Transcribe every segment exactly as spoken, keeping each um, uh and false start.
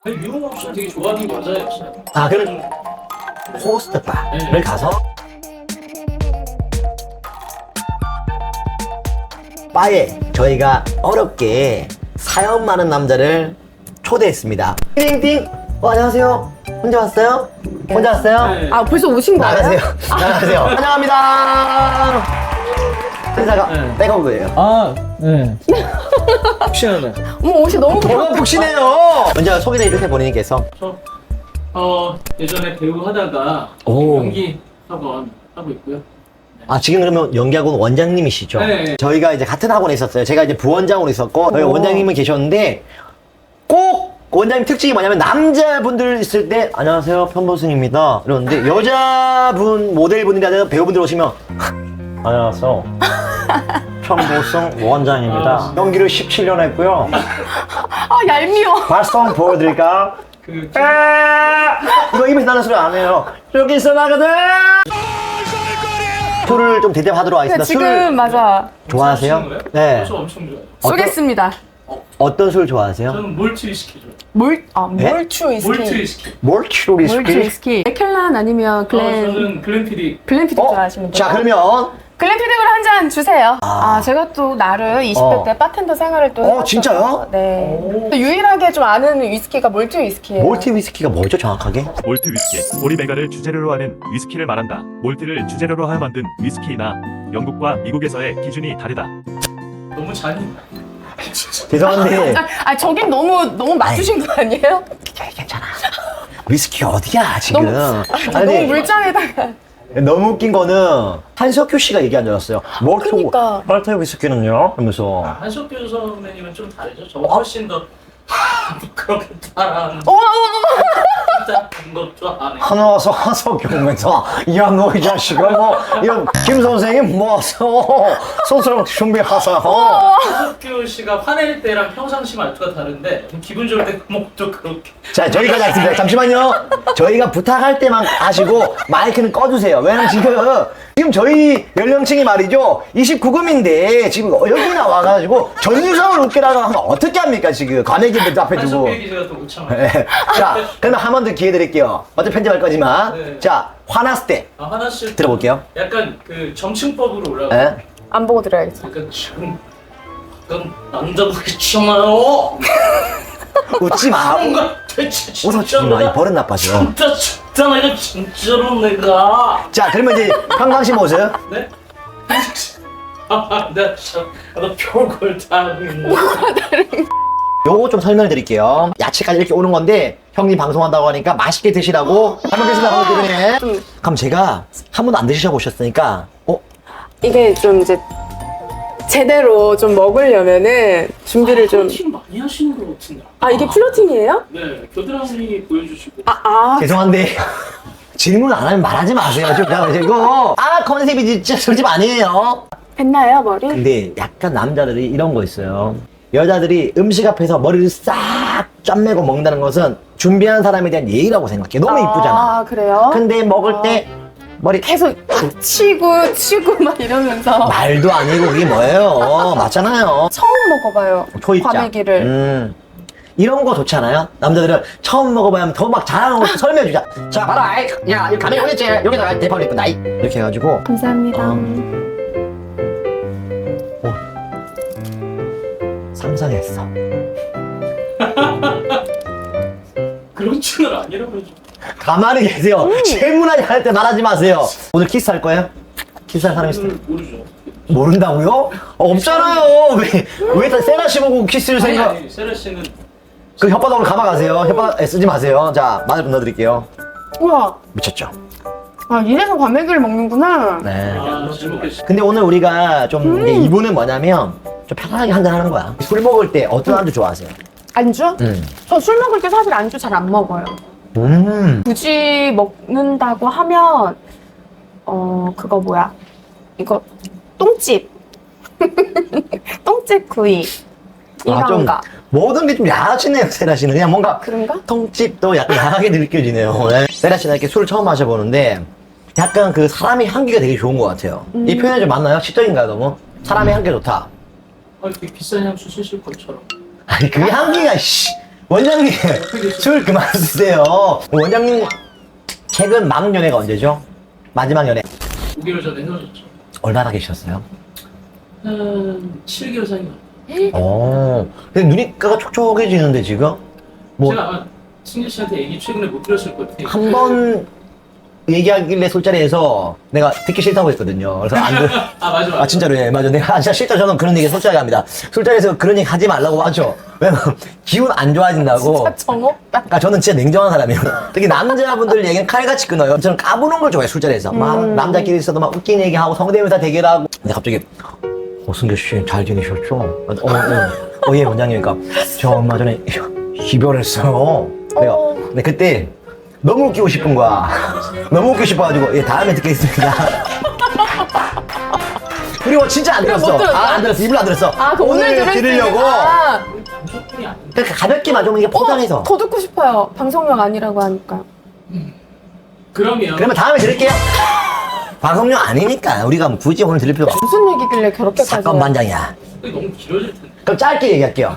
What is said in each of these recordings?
아니, 미용 옵션 되게 좋아하는 게 여자였어요. 아, 그럼 호스트 바를 네. 가서 바에 저희가 어렵게 사연 많은 남자를 초대했습니다. 띵띵. 어, 안녕하세요. 혼자 왔어요? 혼자 왔어요? 네. 아 벌써 오신 거예요? 나가세요. 나가세요. 환영합니다. 회사가 네. 백업이에요. 아, 네. 혹시나 어머 옷이 너무 뭐가 푹신해요. 먼저 소개를 이렇게 본인께서. 저 어, 예전에 배우 하다가 오. 연기 학원 하고 있고요. 아, 지금 그러면 연기학원 원장님이시죠? 네. 저희가 이제 같은 학원에 있었어요. 제가 이제 부원장으로 있었고, 저희 오. 원장님은 계셨는데, 꼭 원장님 특징이 뭐냐면, 남자분들 있을 때, 안녕하세요, 편보승입니다. 이러는데, 여자분, 모델분이라든 배우분들 오시면, 안녕하세요. 편보승 원장입니다. 연기를 십칠 년 했고요. 아 얄미워. 발성 보여드릴까? 그 아, 이거 입에서 나는 소리 안 해요. 여기서 나거든! 술을 좀 대접하도록 하겠습니다. 지금 술 맞아 좋아하세요? 거예요? 네. 저 엄청 좋아해요. 어떤- 쏘겠습니다. 어떤 술 좋아하세요? 저는 몰트 위스키 좋아해요. 몰아 네? 몰추 위스키. 몰트 위스키. 몰트 몰추 위스키? 위스키. 에켈란 아니면 어, 글렌 저는 글렌피디. 글렌피디 어? 좋아하시는 분. 자, 그러면 글렌피디를 한 잔 주세요. 아. 아, 제가 또 나를 이십 대 어. 때 바텐더 생활을 또 어, 해봤어서, 진짜요? 네. 오. 또 유일하게 좀 아는 위스키가 몰트 위스키예요. 몰트 위스키가 뭐죠, 정확하게? 몰트 위스키, 오리메가를 주재료로 하는 위스키를 말한다. 몰트를 주재료로 하여 만든 위스키이나 영국과 미국에서의 기준이 다르다. 너무 잔인해. 죄송한데 아, 아 저긴 너무 너무 맞추신 거 아니에요? 괜찮아. 위스키 어디야 지금? 너무, 아니, 너무 물장에다가. 너무 웃긴 거는 한석규 씨가 얘기한 줄 알았어요. 몰트 그러니까. 몰트 위스키는요? 하면서 한석규 선배님은 좀 다르죠. 저 훨씬 더 그렇게 따라하는 어, 어, 어. 것도 안 해요. 하나 와서 한석규 오면서 야 너 이 자식아 뭐 이런 김 선생님 모아서 소설 준비하세요. 한석규 씨가 화낼 때랑 평상시 말투가 다른데 기분 좋을 때 목도 그렇게. 자, 저희까지 하겠습니다. 잠시만요. 저희가 부탁할 때만 하시고 마이크는 꺼주세요. 왜냐면 지금 지금 저희 연령층이 말이죠 이십구 금인데 지금 여기 나와가지고 전유성을 웃기라고 하면 어떻게 합니까 지금 과메기들 앞에 두고. 한석규 기자가 또 못 참아요. 네. 자, 그러면 한 번 더 기회 드릴게요. 어차피 편집할 거지만. 네. 자, 화났을 때 아, 하나씩 들어볼게요. 약간 그 정칭법으로 올라가. 네. 안 보고 들어야겠어. 약간 지금 약간 남자분이 있잖아요. 웃지 마. 뭔가 대체 진짜 웃었지 마. 이 버릇 나빠져. 진짜 진짜 내가 진짜로 내가 자, 그러면 이제 평상시 모습. 네? 아, 나 참, 나 별걸 다 하고 있네. 요거 좀 설명을 드릴게요. 야채까지 이렇게 오는 건데 형님 방송한다고 하니까 맛있게 드시라고 잘 먹겠습니다. 잘 먹겠습니다. 그럼 제가 한 번도 안 드셔보셨으니까 어? 이게 좀 이제 제대로 좀 먹으려면은 준비를 좀. 플러팅 많이 하시는 것 같은데. 아 이게 플러팅이에요? 네, 겨드랑이 보여주시고. 아 아. 죄송한데 질문 안 하면 말하지 마세요. 좀 잠깐만요. 이거 아 컨셉이 진짜 솔직 아니에요. 했나요 머리? 근데 약간 남자들이 이런 거 있어요. 여자들이 음식 앞에서 머리를 싹 짠매고 먹는다는 것은 준비한 사람에 대한 예의라고 생각해. 너무 이쁘잖아. 아 그래요? 근데 먹을 때 머리 계속 치고 치고 막 이러면서 말도 아니고 그게 뭐예요. 맞잖아요. 처음 먹어봐요. 초입자. 과메기를. 음. 이런 거 좋잖아요. 남자들은 처음 먹어봐야 더 막 잘하는 거 설명해주자. 자, 봐라. 아이, 야, 이 가면 오겠지. 여기다가 대파를 입고 나이. 이렇게 해가지고. 감사합니다. 어. 상상했어. 그렇지는 아니라고 해줘. 가만히 계세요. 질문하지 할 때 말하지 마세요. 오늘 키스할 거예요? 키스할 사람 있어요? 음, 모르죠. 모른다고요? 어, 없잖아요. 왜, 왜 다 세나 씨 보고 키스를 아니, 생각. 아니, 세라 씨는 그 혓바닥으로 감아가세요. 혓바닥 쓰지 마세요. 자, 마늘 좀 넣어드릴게요. 우와. 미쳤죠? 아 이래서 과메기를 먹는구나. 네. 아, 잘 먹겠습니다. 근데 오늘 우리가 좀 음. 이제 이분은 뭐냐면 좀 편하게 한잔 하는 거야. 술 먹을 때 어떤 안주 좋아하세요? 안주? 음. 저 술 먹을 때 사실 안주 잘 안 먹어요. 음. 굳이 먹는다고 하면 어 그거 뭐야? 이거 똥집. 똥집 구이. 아, 좀 이런가? 모든 게 좀 야하시네요, 세라 씨는. 그냥 뭔가 그런가? 통집도 약간 야하게 느껴지네요. 네. 세라 씨는 이렇게 술을 처음 마셔보는데 약간 그 사람의 향기가 되게 좋은 것 같아요. 음. 이 표현이 좀 맞나요? 시적인가요, 너무? 사람의 향기가 좋다. 아, 되게 비싼 향수 쓰실 것처럼. 아니, 그 향기가, 씨. 원장님 술 그만 드세요. 원장님 최근 막 연애가 언제죠? 마지막 연애 오 개월 전에 헤어졌죠. 얼마나 계셨어요? 한 칠 개월 사이인 것 같아요. 어. 근데 눈이가 촉촉해지는데 지금 뭐 제가 아마 승재 씨한테 얘기 최근에 못 드렸을 것 같아요. 한 번 얘기하길래 술자리에서 내가 듣기 싫다고 했거든요. 그래서 안 들. 아 맞아 맞아. 아 진짜로 예 맞아. 내가 진짜 싫다 저는 그런 얘기 솔직하게 합니다. 술자리에서 그런 얘기 하지 말라고 하죠. 왜냐면 기분 안 좋아진다고. 진짜 정없다. 아 저는 진짜 냉정한 사람이에요. 특히 남자분들 얘기는 칼같이 끊어요. 저는 까부는 걸 좋아해요 술자리에서. 막 음. 남자끼리 있어도 막 웃긴 얘기하고 성대모사 대결하고. 근데 갑자기 어 승규 씨 잘 지내셨죠? 어, 어, 어, 예 원장님. 그러니까 저 얼마 전에 이별했어요. 내가 어. 근데 그때 너무 웃기고 싶은 거야. 너무 웃기고 싶어가지고 예 다음에 듣겠습니다. 그리고 진짜 안 들었어. 못 들었어? 아, 안 들었어. 입을 안 들었어. 아, 그 오늘, 들을 들으려고. 아, 방송뿐이 아닌데. 그러니까 가볍게만 좀 이게 포장해서. 어, 더 듣고 싶어요. 방송용 아니라고 하니까. 그러면 그러면 다음에 들을게요. 방송용 아니니까 우리가 뭐 굳이 오늘 들을 필요가 없어. 무슨 얘기길래 그렇게까지. 사건 반장이야. 너무 길어질 텐데. 그럼 짧게 얘기할게요.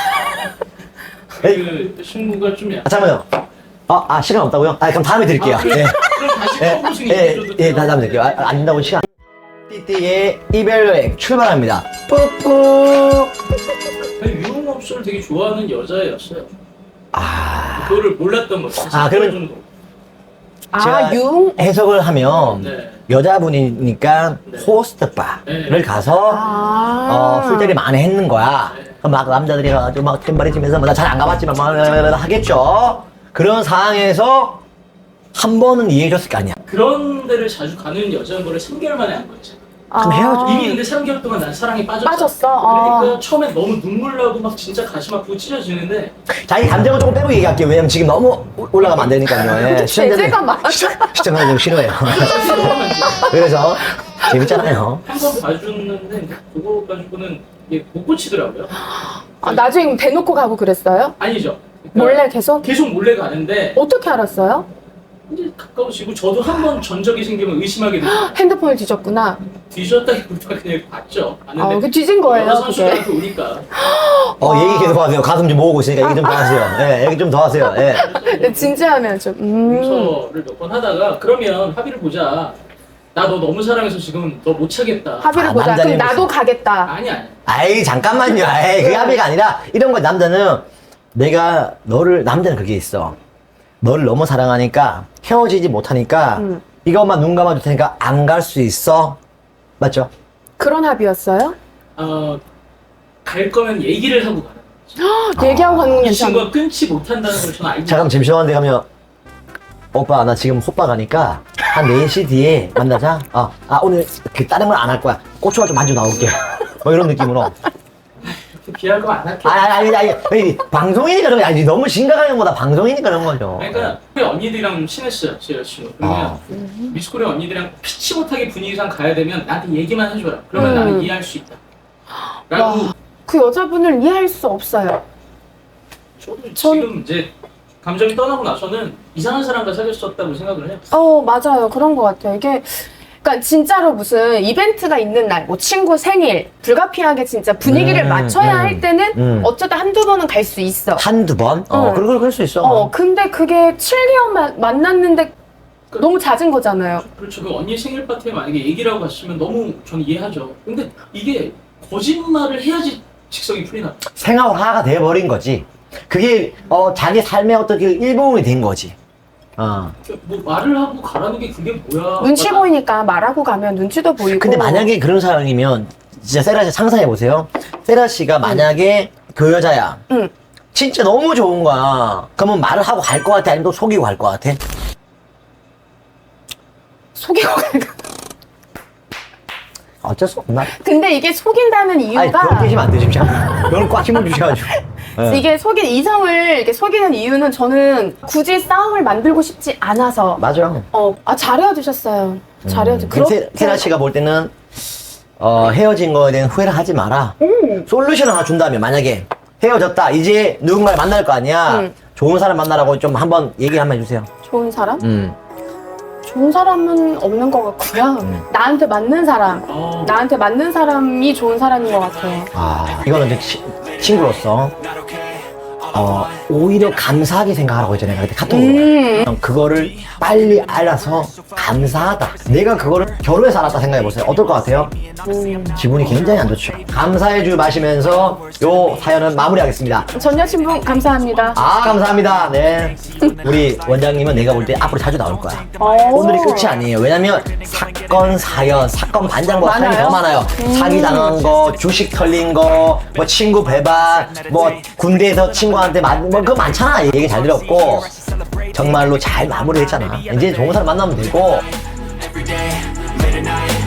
그 친구가 좀 아, 약간. 잠깐만요. 아, 아 시간 없다고요? 아 그럼 다음에 드릴게요. 아, 그럼, 예. 그럼 다시 예, 펌프싱 예, 얘기해줘도 예, 돼요? 다 다음에 드릴게요. 아, 안 된다고 시간. 띠띠의 이별 여행 출발합니다. 뿌뿌. 아니, 유흥업소를 되게 좋아하는 여자였어요. 아, 그거를 몰랐던 거죠. 아, 그러면- 정도. 제가 아, 융? 해석을 하면 네. 여자분이니까 네. 호스트 바를 네. 가서 아. 어, 술자리 많이 했는 거야. 네. 그럼 막 남자들이 가지고 막 템바리치면서 뭐 나 잘 안 가봤지만 막 하겠죠. 그런 상황에서 한 번은 이해해줬을 거 아니야. 그런 데를 자주 가는 여자인 거를 삼 개월 만에 안 거지. 그럼 헤어져. 이미 근데 삼 개월 동안 난 사랑에 빠졌어. 빠졌어? 그러니까 아. 처음에 너무 눈물 나고 막 진짜 가슴 아프고 찢어지는데 자기 감정을 조금 빼고 얘기할게요. 왜냐면 지금 너무 올라가면 안 되니까요. 예. 제재가 많아. 시청자들 좀 싫어해요. 그래서 재밌잖아요. 한 번 봐줬는데 그거 가지고는 이게 못 고치더라고요. 아, 나중에 대놓고 가고 그랬어요? 아니죠. 그러니까 몰래 계속? 계속 몰래 가는데 어떻게 알았어요? 이제 가까워지고 저도 한 번 전적이 생기면 의심하게 되고 핸드폰을 뒤졌구나. 뒤졌다기보다 그냥 봤죠. 아, 봤는데 그 뒤진 거예요, 여자 선수가 그게. 이렇게 오니까 어, 얘기 계속 하세요. 가슴 좀 모으고 있으니까 얘기 좀 더 하세요. 예, 얘기 좀 더 하세요. 예. 근데 진지하면 좀, 음. 용서를 몇 번 하다가 그러면 합의를 보자. 나 너 너무 사랑해서 지금 너 못 차겠다. 합의를 아, 보자. 그럼 남자는 나도 가겠다. 아니 아니. 아이, 잠깐만요. 에이, 그게 합의가 아니라 이런 거 남자는 내가 너를, 남자는 그게 있어. 너를 너무 사랑하니까 헤어지지 못하니까 음. 이것만 눈 감아줄 테니까 안 갈 수 있어. 맞죠? 그런 합의였어요? 어, 갈 거면 얘기를 하고 가는 거지. 얘기하고 가는 건 이 괜찮아. 친구가 끊지 못한다는 걸 저는 알고 잠깐 잠시만데 가면 오빠 나 지금 호빠 가니까 한 네 시 뒤에 만나자. 아, 아 오늘 그 다른 건 안 할 거야. 고추가 좀 만져 나올게. 뭐 이런 느낌으로. 이렇게 비할 거 안 할게. 아니 아니 아니 아니 방송이니까 그런 거 아니지. 너무 심각한 거다. 방송이니까 그런 거죠. 그러니까 우리 언니들이랑 좀 친했어요, 제 여자친구. 그러면 아. 미스코리아 언니들이랑 피치 못하게 분위기상 가야 되면 나한테 얘기만 해줘라. 그러면 음. 나는 이해할 수 있다. 라고 와, 그 여자분을 이해할 수 없어요. 저도 전- 지금 이제 감정이 떠나고 나서는 이상한 사람과 사귀었었다고 생각을 해요. 어, 맞아요. 그런 것 같아요. 이게, 그러니까 진짜로 무슨 이벤트가 있는 날, 뭐 친구 생일, 불가피하게 진짜 분위기를 음, 맞춰야 음, 할 때는 음. 어쩌다 한두 번은 갈 수 있어. 한두 번? 어, 응. 그럴, 그럴 수 있어. 어, 근데 그게 칠 개월 마- 만났는데 너무 잦은 거잖아요. 그렇죠. 그 언니 생일 파티에 만약에 얘기를 하고 갔으면 너무 저는 이해하죠. 근데 이게 거짓말을 해야지 직성이 풀리나. 생활화가 돼버린 거지. 그게 어, 자기 삶의 어떤 그 일부분이 된 거지. 어. 뭐 말을 하고 가라는 게 그게 뭐야. 눈치 아까 보이니까 말하고 가면 눈치도 보이고. 근데 만약에 그런 상황이면 진짜 세라 씨 상상해 보세요. 세라 씨가 만약에 그 여자야. 응. 진짜 너무 좋은 거야. 그러면 말을 하고 갈 것 같아? 아니면 또 속이고 갈 것 같아? 속이고 갈까? 어쩔 수 없나? 근데 이게 속인다는 아니, 이유가 그렇게 하시면 안 되죠. 이걸 꽉 힘을 주셔가지고. 예. 이게 속인 이성을 이렇게 속이는 이유는 저는 굳이 싸움을 만들고 싶지 않아서. 맞아. 어, 아, 잘 헤어지셨어요. 잘 헤어지. 음, 세, 세라 씨가 볼 때는 어, 헤어진 거에 대한 후회를 하지 마라. 음. 솔루션을 하나 준다면 만약에 헤어졌다. 이제 누군가를 만날 거 아니야. 음. 좋은 사람 만나라고 좀 한번 얘기 한번 해주세요. 좋은 사람? 음. 좋은 사람은 없는 것 같고요. 나한테 맞는 사람. 어, 나한테 맞는 사람이 좋은 사람인 것 같아요. 아, 이거는 이제 치- 친구로서 어, 오히려 감사하게 생각하라고 했잖아요. 그때 카톡으로. 음. 그거를 빨리 알아서 감사하다. 내가 그거를 결혼해서 알았다 생각해보세요. 어떨 것 같아요? 음. 기분이 굉장히 안 좋죠. 감사해줄 마시면서 요 사연은 마무리하겠습니다. 전 여친분 감사합니다. 아, 감사합니다. 네. 우리 원장님은 내가 볼 때 앞으로 자주 나올 거야. 오. 오늘이 끝이 아니에요. 왜냐면 사건, 사연, 사건 반장보다 사연이 많아요? 더 많아요. 사기 당한 거, 주식 털린 거, 뭐 친구 배반, 뭐 군대에서 친구한테 만, 뭐 그거 많잖아. 얘기 잘 들었고 정말로 잘 마무리했잖아. 이제 좋은 사람 만나면 되고. every day, late at night,